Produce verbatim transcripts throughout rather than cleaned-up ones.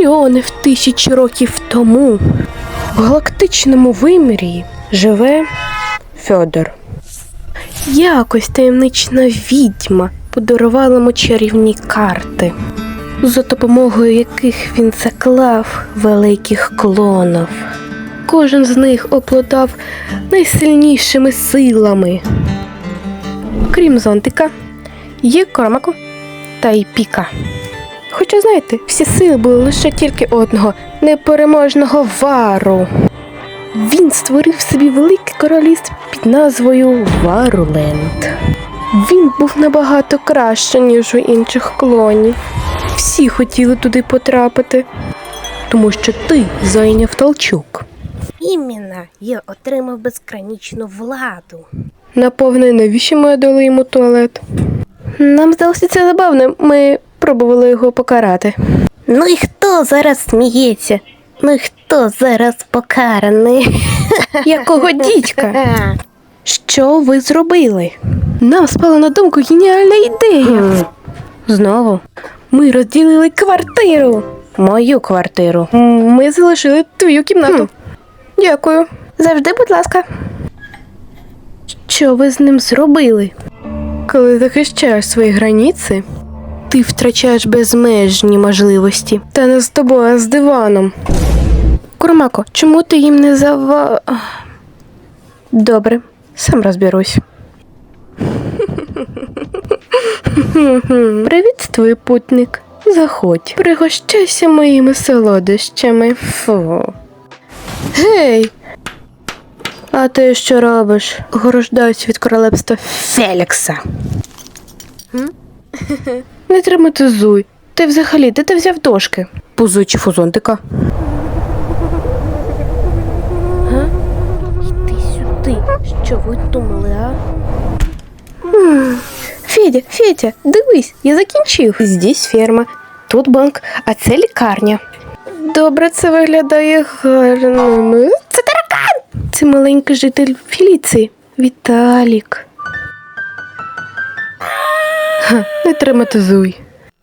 мільйонів тисяч років тому в галактичному вимірі живе Фьодор. Якось таємнична відьма подарувала йому чарівні карти, за допомогою яких він заклав великих клонів. Кожен з них обладав найсильнішими силами. Крім зонтика, є Коромаку та й Піка. Хоча, знаєте, всі сили були лише тільки одного – непереможного Вару. Він створив собі велике королівство під назвою Варуленд. Він був набагато краще, ніж у інших клонів. Всі хотіли туди потрапити, тому що ти зайняв Талчук. Іменно, я отримав безграничну владу. Наповне, навіщо ми дали йому туалет? Нам здалося це забавним, ми пробували його покарати. Ну і хто зараз сміється? Ну і хто зараз покараний? Якого дідька? Що ви зробили? Нам спала на думку геніальна ідея. Знову? Ми розділили квартиру. Мою квартиру. Ми залишили твою кімнату. Хм. Дякую. Завжди, будь ласка. Що ви з ним зробили? Коли захищаєш свої границі, ти втрачаєш безмежні можливості. Та не з тобою, а з диваном. Курмако, чому ти їм не зава... Добре, сам розберусь. Привіт, твій путник. Заходь. Пригощайся моїми солодощами. Фу. Гей! А ти що робиш? Ограждаюсь від королевства Фелікса. Не травматизуй. Ти взагалі, де ти взяв дошки? Пузуючи фузонтика. Га? Йди сюди. Що ви думали, а? М-м. Федя, Федя, дивись, я закінчив. Здесь ферма, тут банк, а це лікарня. Добре, це виглядає гарно. Це таракан! Це маленький житель Феліції. Віталік. Ха, не травматизуй.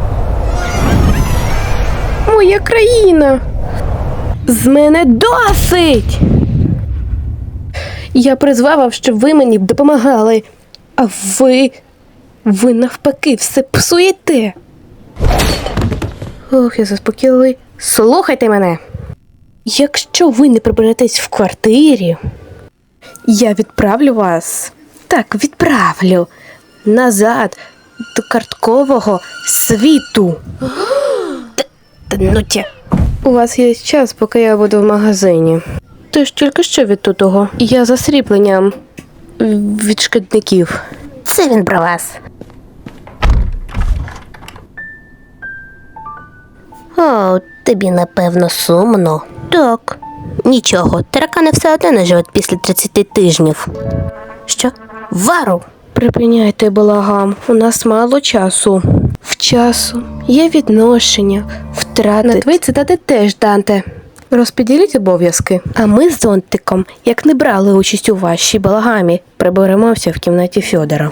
Моя країна! З мене досить! Я призвав вас, щоб ви мені допомагали. А ви... Ви навпаки все псуєте. Ох, я заспокійливий. Слухайте мене. Якщо ви не приберетесь в квартирі, я відправлю вас. Так, відправлю. Назад до карткового світу. Та ну тя. У вас є час, поки я буду в магазині. Ти ж тільки що від тутого. Я за срібленням від шкідників. Це він про вас. О, тобі напевно сумно. Так. Нічого, таракани все одно не живуть після тридцяти тижнів. Що? Вару? Припиняйте балаган, у нас мало часу. В часу є відношення, втрати. На твої цитати теж, Данте. Розподіліть обов'язки. А ми з зонтиком, як не брали участь у вашій балагамі, приберемося в кімнаті Фьодора.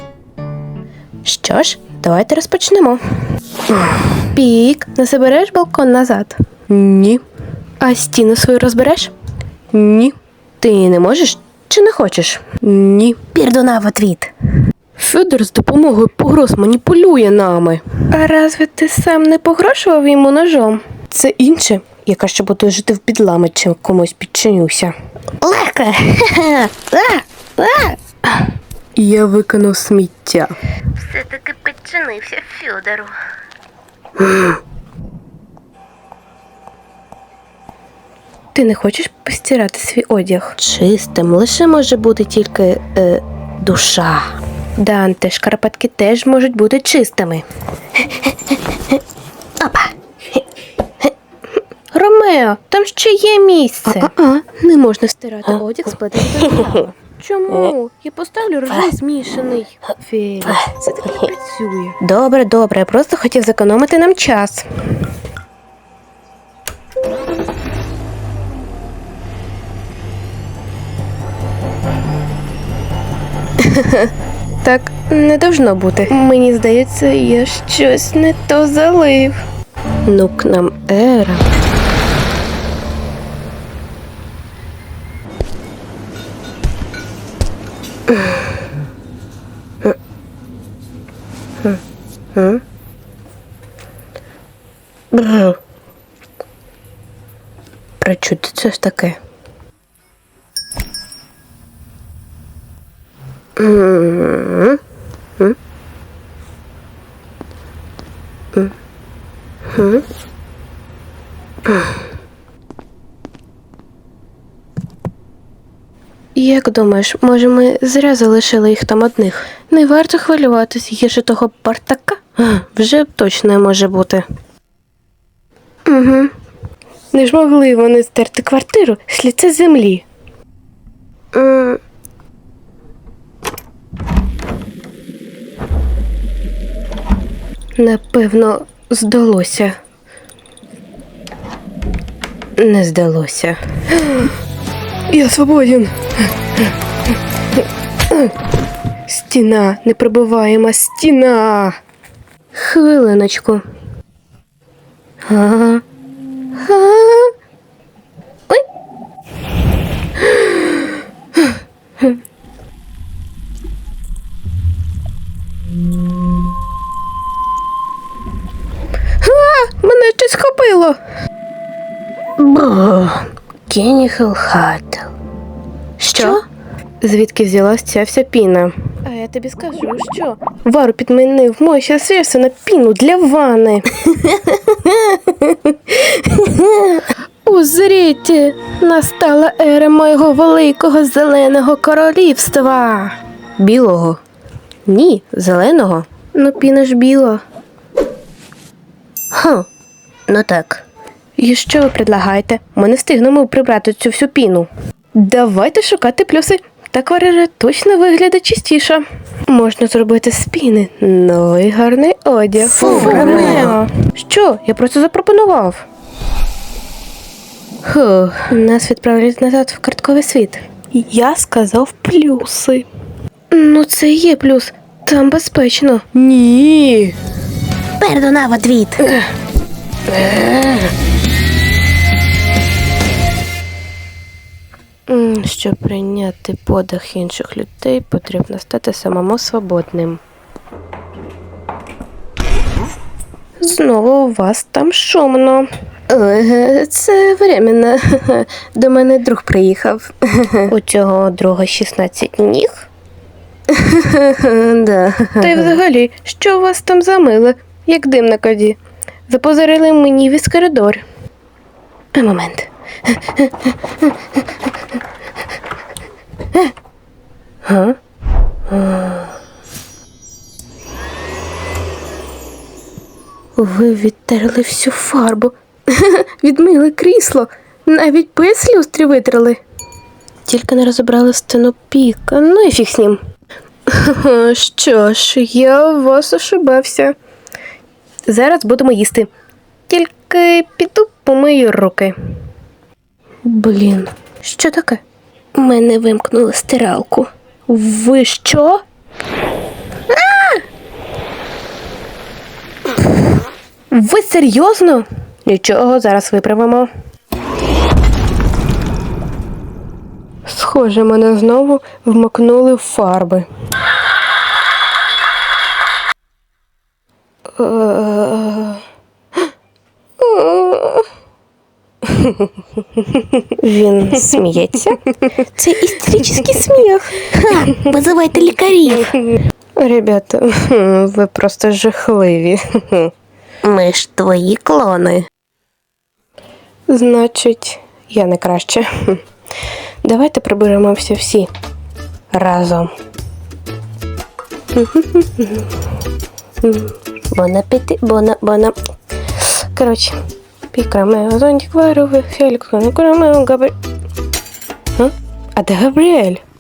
Що ж, давайте розпочнемо. Пік, не забереш балкон назад? Ні. А стіну свою розбереш? Ні. Ти не можеш чи не хочеш? Ні. Пірдуна в отвіт. Фьодор з допомогою погроз маніпулює нами. А разве ти сам не погрошував йому ножом? Це інше. Я краще буду жити в підлами, чим комусь підчинюся. Легко! Я викинув сміття. Все-таки підчинився Фьодору. Ти не хочеш постирати свій одяг? Чистим лише може бути тільки е, душа. Данте, шкарпетки теж можуть бути чистими. Опа! Ромео, там ще є місце. А-а-а, не можна стирати одяг з плетеними. Чому? Я поставлю рожей змішаний. Фелікс, це так не працює. Добре, добре, я просто хотів зекономити нам час. Так не должно бути. Мені здається, я щось не то залив. Нук нам ера. Бррр. Причути це ж таке. М-м-м. М? М? М? Як думаєш, може ми зря залишили їх там одних? Не варто хвилюватись, гірше того Бартака вже точно не може бути. Угу. Не ж могли вони стерти квартиру з лиця землі. М. Напевно, здалося. Не здалося. Я свободен. Стіна, непробиваєма стіна. Хвилиночку. Ага. Ага. Ой. А, мене щось схопило. Бо, Кенніхел Хаттл. Що? Звідки взялась ця вся піна? А я тобі скажу, що Вару підмінив мой серце на піну для ванни. Узріть, настала ера моєго великого зеленого королівства. Білого? Ні, зеленого. Ну, піна ж біла. Хм, ну так. І що ви предлагаєте? Ми не встигнемо прибрати цю всю піну. Давайте шукати плюси. Так варера точно виглядає чистіше. Можна зробити з піни новий гарний одяг. Фу, Ромео. Що? Я просто запропонував. Фу, нас відправлять назад в картковий світ. Я сказав плюси. Ну це і є плюс. Там безпечно. Ні. Пердона в отвіт. М, Щоб прийняти подих інших людей, потрібно стати самому свободним. Знову у вас там шумно. Ой, це временно. До мене друг приїхав. У цього друга шістнадцять ніг? Да. Та й взагалі, що у вас там за миле, як дим на коді? Запозорили мені весь коридор. А, момент. Га? Ви відтерли всю фарбу. Відмили крісло. Навіть пес люстрі витрали. Тільки не розібрали стіну піка. Ну і фіг з ним. Що ж, я у вас ошибався. Зараз будемо їсти. Тільки піду помию руки. Блін, що таке? Мене вимкнули стиралку. Ви що? А! Ви серйозно? Нічого, зараз виправимо. Схоже, мене знову вмокнули в фарби. Він сміється. Це істеричний сміх. Ха, визивайте лікарів. Ребята, ви просто жахливі. Ми ж твої клони. Значить, я не краще. Давайте приберемося всі разом. Бон апети, бона, бона. Коротше, пікрамео, зонтик варових, Фелікс, Ромео, Габріель. А? А де Габріель?